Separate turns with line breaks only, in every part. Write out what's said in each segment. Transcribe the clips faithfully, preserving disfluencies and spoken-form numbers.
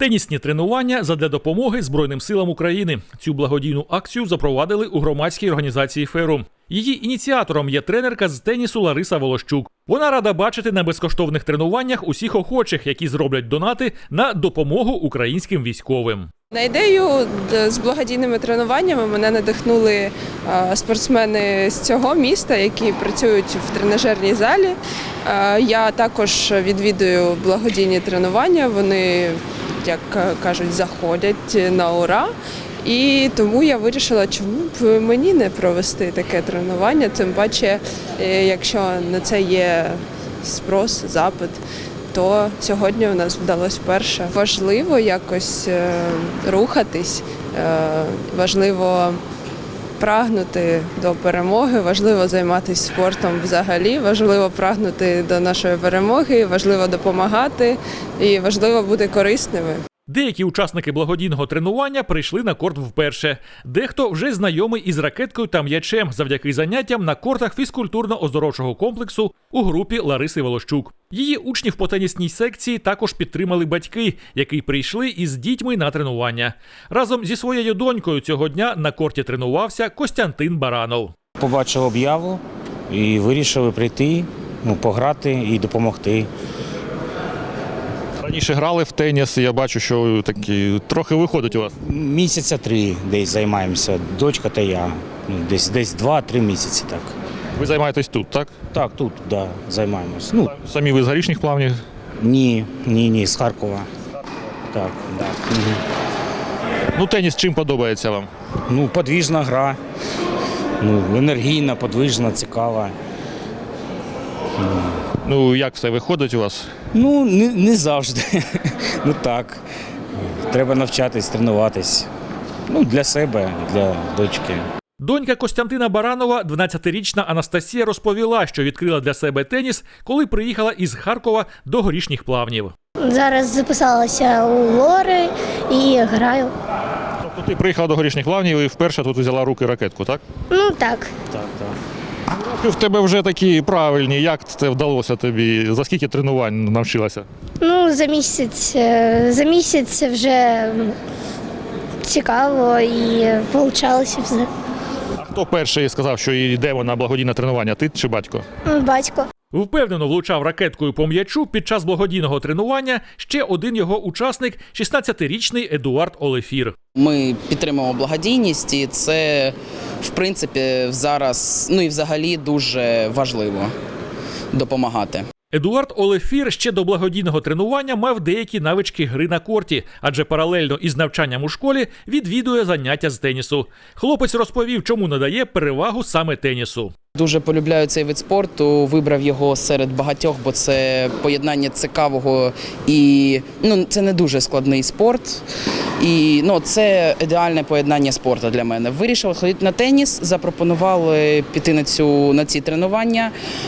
Тенісні тренування задля допомоги Збройним силам України. Цю благодійну акцію запровадили у громадській організації «Ферум». Її ініціатором є тренерка з тенісу Лариса Волощук. Вона рада бачити на безкоштовних тренуваннях усіх охочих, які зроблять донати на допомогу українським військовим.
На ідею з благодійними тренуваннями мене надихнули спортсмени з цього міста, які працюють в тренажерній залі. Я також відвідую благодійні тренування, вони, як кажуть, заходять на ура. І тому я вирішила, чому б мені не провести таке тренування, тим паче, якщо на це є спрос, запит, то сьогодні у нас вдалося вперше. Важливо якось рухатись, важливо прагнути до перемоги, важливо займатися спортом взагалі, важливо прагнути до нашої перемоги, важливо допомагати і важливо бути корисними.
Деякі учасники благодійного тренування прийшли на корт вперше. Дехто вже знайомий із ракеткою та м'ячем завдяки заняттям на кортах фізкультурно-оздоровчого комплексу у групі Лариси Волощук. Її учнів по тенісній секції також підтримали батьки, які прийшли із дітьми на тренування. Разом зі своєю донькою цього дня на корті тренувався Костянтин Баранов.
Побачив об'яву і вирішили прийти, ну, пограти і допомогти.
Раніше грали в теніс, я бачу, що такі трохи виходить у вас.
Місяця три десь займаємося, дочка та я. Ну, десь десь два-три місяці так.
Ви займаєтесь тут, так?
Так, тут, да, займаємось. Ну,
самі ви з Горішніх Плавнів?
Ні, ні, ні, з Харкова. Так, так. Угу.
Ну, теніс чим подобається вам?
Ну, подвижна гра. Ну, енергійна, подвижна, цікава.
Ну, як все виходить у вас?
Ну, не, не завжди. Ну так. Треба навчатись, тренуватись. Ну, для себе, для дочки.
Донька Костянтина Баранова, дванадцятирічна Анастасія, розповіла, що відкрила для себе теніс, коли приїхала із Харкова до Горішніх Плавнів.
Зараз записалася у Лори і граю.
Тобто ти приїхала до Горішніх Плавнів і вперше тут взяла в руки ракетку, так?
Ну так.
Так, так.
Руки в тебе вже такі правильні. Як це вдалося тобі? За скільки тренувань навчилася?
Ну, за місяць, за місяць вже цікаво і получалося все.
А хто перший сказав, що йдемо на благодійне тренування? Ти чи батько?
Батько.
Впевнено влучав ракеткою по м'ячу під час благодійного тренування ще один його учасник – шістнадцятирічний Едуард Олефір.
Ми підтримуємо благодійність, і це, в принципі, зараз, ну і взагалі дуже важливо допомагати.
Едуард Олефір ще до благодійного тренування мав деякі навички гри на корті, адже паралельно із навчанням у школі відвідує заняття з тенісу. Хлопець розповів, чому надає перевагу саме тенісу.
Дуже полюбляю цей вид спорту, вибрав його серед багатьох, бо це поєднання цікавого і ну, це не дуже складний спорт. І ну, це ідеальне поєднання спорту для мене. Вирішив ходити на теніс, запропонували піти на, цю, на ці тренування.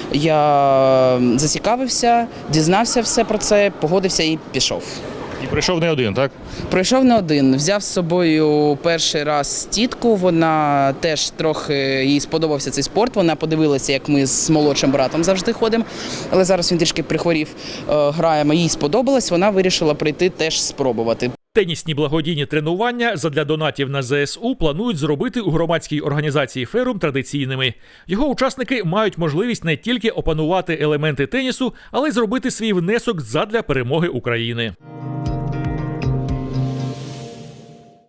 Я зацікавився, дізнався все про це, погодився і пішов.
І прийшов не один, так?
Прийшов не один. Взяв з собою перший раз тітку, вона теж трохи, їй сподобався цей спорт. Вона подивилася, як ми з молодшим братом завжди ходимо, але зараз він трішки прихворів, граємо, їй сподобалось, вона вирішила прийти теж спробувати.
Тенісні благодійні тренування задля донатів на зе ес у планують зробити у громадській організації «Ферум» традиційними. Його учасники мають можливість не тільки опанувати елементи тенісу, але й зробити свій внесок задля перемоги України.